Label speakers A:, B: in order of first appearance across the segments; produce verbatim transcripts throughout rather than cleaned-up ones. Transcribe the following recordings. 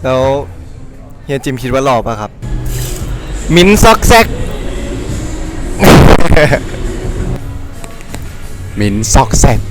A: แล้วเฮียจิมคิดว่าหล่อป่ะครับ มิ้นซอกแซก
B: มินซอกแซก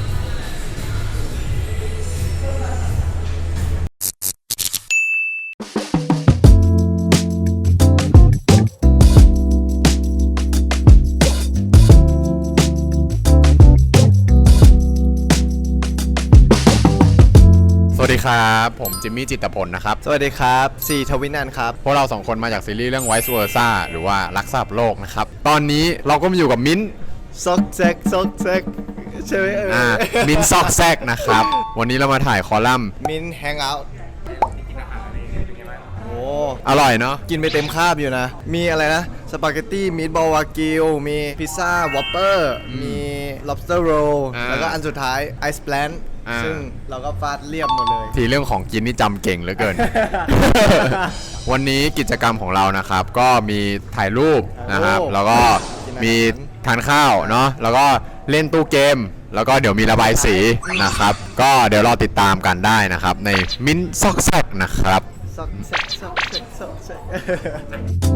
B: สวัสดีครับผมจิมมี่จิตรพลนะครับ
A: สวัสดีครับซีทวินันครับ
B: พวกเราสองคนมาจากซีรีส์เรื่อง Vice Versa หรือว่ารักษาโลกนะครับตอนนี้เราก็มาอยู่กับมิ้น
A: ซอกแซกซอกแซกใช่ไหมเออ
B: อ่ามิ้นซอกแซกนะครับวันนี้เรามาถ่ายคอลัมน์
A: มิ้นแฮงเอาท์โอ้
B: อร่อยเนาะ
A: กินไปเต็มคาบอยู่นะ มีอะไรนะ สปาเกตตี้มีทบอลวากิวมีพิซซ่าวอปเปอร์มี lobster roll แล้วก็อันสุดท้ายไอซ์แพลนซึ่งเราก็ฟาดเรียบหมดเลย
B: ทีเรื่องของกินนี่จำเก่งเหลือเกิน วันนี้กิจกรรมของเรานะครับก็มีถ่ายรูปนะครับแล้วก็มีทานข้าวเนาะแล้วก็เล่นตู้เกมแล้วก็เดี๋ยวมีระบายสีนะครับก็เดี๋ยวรอติดตามกันได้นะครับในมิ้นซอกแซกนะครับ
A: ซอกแซกซอกแซกซอกแซก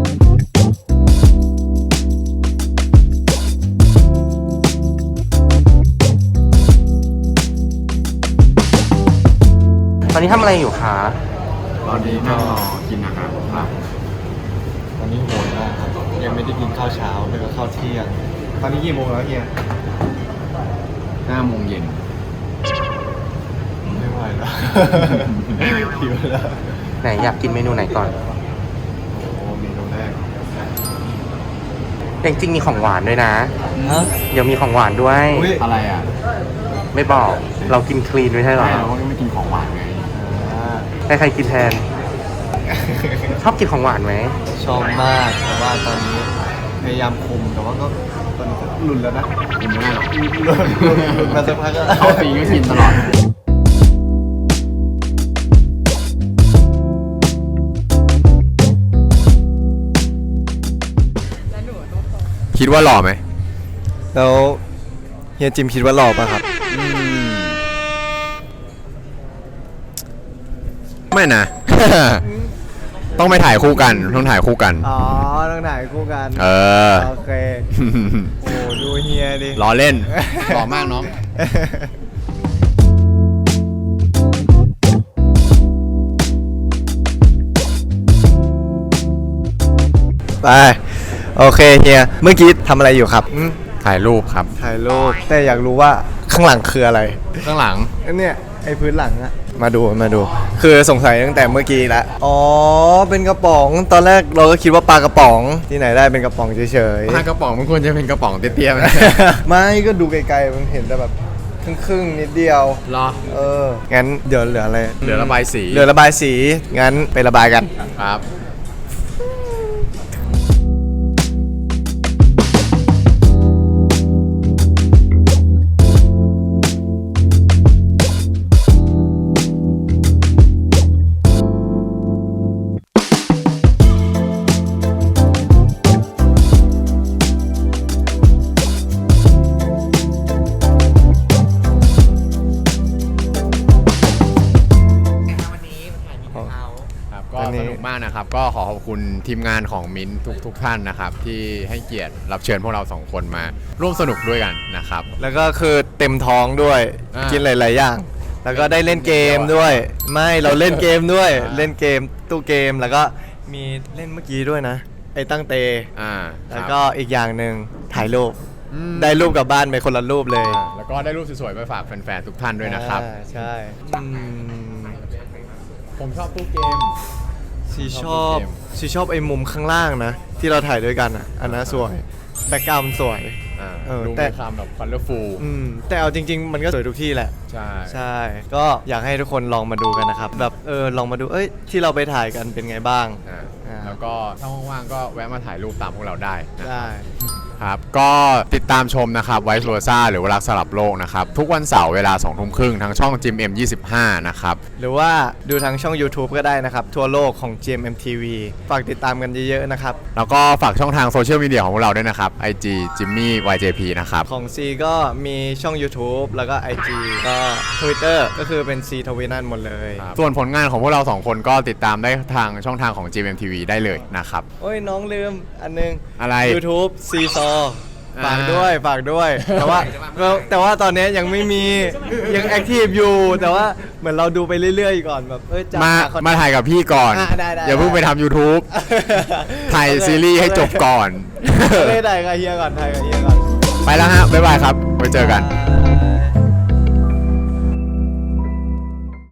C: ตอนนี้ทำอะไรอยู่คะ
B: ตอนนี้นั่งรอกินอาหารครับ
A: ตอนนี้โหยมากครับยังไม่ได้กินข้าวเช้าแล้วก็ข้าวเที่ยงตอนนี้กี่โมงแล้วเฮีย
B: ห้าโมงเย็น
A: ไม่ไหวแล้ว หิวแล้ว
C: ไหนอยากกินเมนูไหนก่อน
A: โอ้เมนูแรก
C: จริงๆมีของหวานด้วยนะ
A: ฮะ
C: เดี๋ยวมีของหวานด้วย
A: อุ๊ย
B: อะไรอ่ะ
C: ไม่บอกเรากินคลีนไม่ใช่หรอ
B: เราก็ไม่กินของหวานไง
C: ใครใครกินแทน ชอบกินของหวานไหม
A: ชอบมากแต่ว่าตอนนี้พยายามคุมแต่ว่าก็ตอนนี้ก็หลุนแล้วนะ
B: กินไม่ได้หรอก
A: หลุนหลุนหลุนหลุนมาสักพักก็
B: เขาปีก็กินตลอดคิดว่าหล่อไหม
A: แล้วเฮียจิมคิดว่าหล่อป่ะครับ
B: ไม่นะ ต้องไปถ่ายคู่กันต้องถ่ายคู่กัน
A: อ๋อต้องถ่ายคู่กัน
B: เออ
A: โอเคโอ้ดูเฮียดิ
B: ล้อเล่น หล่อมากน้อง
A: ไปโอเคเฮียเมื่อกี้ทำอะไรอยู่ครับ
B: ถ่ายรูปครับ
A: ถ่ายรูปแต่อยากรู้ว่าข้างหลังคืออะไร
B: ข้างหลัง
A: อันเนี้ยไอ้พื้นหลังอะมาดูมาดู คือสงสัยตั้งแต่เมื่อกี้แล้วอ๋อเป็นกระป๋องตอนแรกเราก็คิดว่าปลากระป๋องที่ไหนได้เป็นกระป๋องเฉย
B: ถ้ากระป๋องมันควรจะเป็นกระป๋องเตี้ยๆ
A: ๆ ไม่ก็ดูไกลๆมันเห็นแต่แบบครึ่งๆนิดเดียว
B: รอ
A: เอองั้นเดี๋ยวเหลืออะไร
B: เหลือระบายสี
A: เหลือระบายสีงั้นไประบายกัน
B: ครับครับก็สนุกมากนะครับ ก็ขอขอบคุณทีมงานของมิ้นท์ทุกทุกท่านนะครับ ที่ให้เกียรติรับเชิญพวกเราสองคนมาร่วมสนุกด้วยกันนะครับ
A: แล้วก็คือเต็มท้องด้วย
B: อ่ากิ
A: กินหลายๆอย่าง แล้วก็ได้เล่นเกมด้วย ไม่เราเล่นเกมด้วย
B: อ่า
A: เล่นเกมตู้เกมแล้วก็มีเล่นเมื่อกี้ด้วยนะ ไอ้ตั้งเต
B: อ่า
A: แล้วก็อีกอย่างหนึ่งถ่ายรูป
B: อืม
A: ได้รูปกลับบ้านไปคนละรูปเลย
B: อ่าแล้วก็ได้รูปสวยๆไปฝากแฟนๆทุกท่านด้วยนะครับ
A: อ่าใช่อืม
B: ผมชอบตู้เกม
A: ชีช
B: ช
A: อ
B: อ
A: บบ
B: เกม
A: ชีชอบไอ้มุมข้างล่างนะ ที่เราถ่ายด้วยกันอ่ะอันนั้นสวยแบ็กกราวด์สวย
B: อ่า
A: เออ
B: ดู
A: แต่
B: มีความแบบ colorful
A: อืมแต่เอาจริง ๆ มันก็สวยทุกที่แหละ
B: ใช่
A: ใช่ ก็อยากให้ทุกคนลองมาดูกันนะครับ แบบเออลองมาดู เอ้ยที่เราไปถ่ายกันเป็นไงบ้าง
B: อ่า
A: อ่า
B: แล้วก็ถ้าว่างๆก็แวะมาถ่ายรูปตามพวกเราได้นะ
A: ได้
B: ครับก็ติดตามชมนะครับไวซ์โรซ่าหรือว่ารักสลับโลกนะครับทุกวันเสาร์เวลาสองทุ่มครึ่งทางช่อง จิม เอ็ม ยี่สิบห้า นะครับ
A: หรือว่าดูทางช่อง YouTube ก็ได้นะครับ ทั่วโลกของ จี เอ็ม เอ็ม ที วี ฝากติดตามกันเยอะๆนะครับ
B: แล้วก็ฝากช่องทางโซเชียลมีเดียของพวกเราด้วยนะครับ ไอ จี Jimmy วาย เจ พี นะครับ
A: ของ C ก็มีช่อง YouTube แล้วก็ ไอ จี ก็ Twitter ก็คือเป็น C ทวินันหมดเลย
B: ส่วนผลงานของพวกเราสองคนก็ติดตามได้ทางช่องทางของ จี เอ็ม ที วี ได้เลยนะครับ
A: โอ้ยน้องลืมอันนึง
B: อะไร
A: YouTube C ซอ
B: อ่า
A: ฝากด้วยฝากด้วย แต่ว่าแต่ว่าตอนนี้ยังไม่มียังแอคทีฟอยู่ แต่ว่าเหมือนเราดูไปเรื่อยๆก่อนแบบเอ้ยจะ
B: มา
A: หคน
B: มาถ่ายกับพี่ก่อน
A: อ่ะได้ได้
B: อย่าเพิ่งไปทำ YouTube ถ่ายซีรีส์ให้จบก่อน
A: ไม่ได้กับเฮียก่อนถ่ายกับเฮียก่อน
B: ไปแล้วฮะ บ๊ายบายครับ ไว้เจอกัน
A: อ่า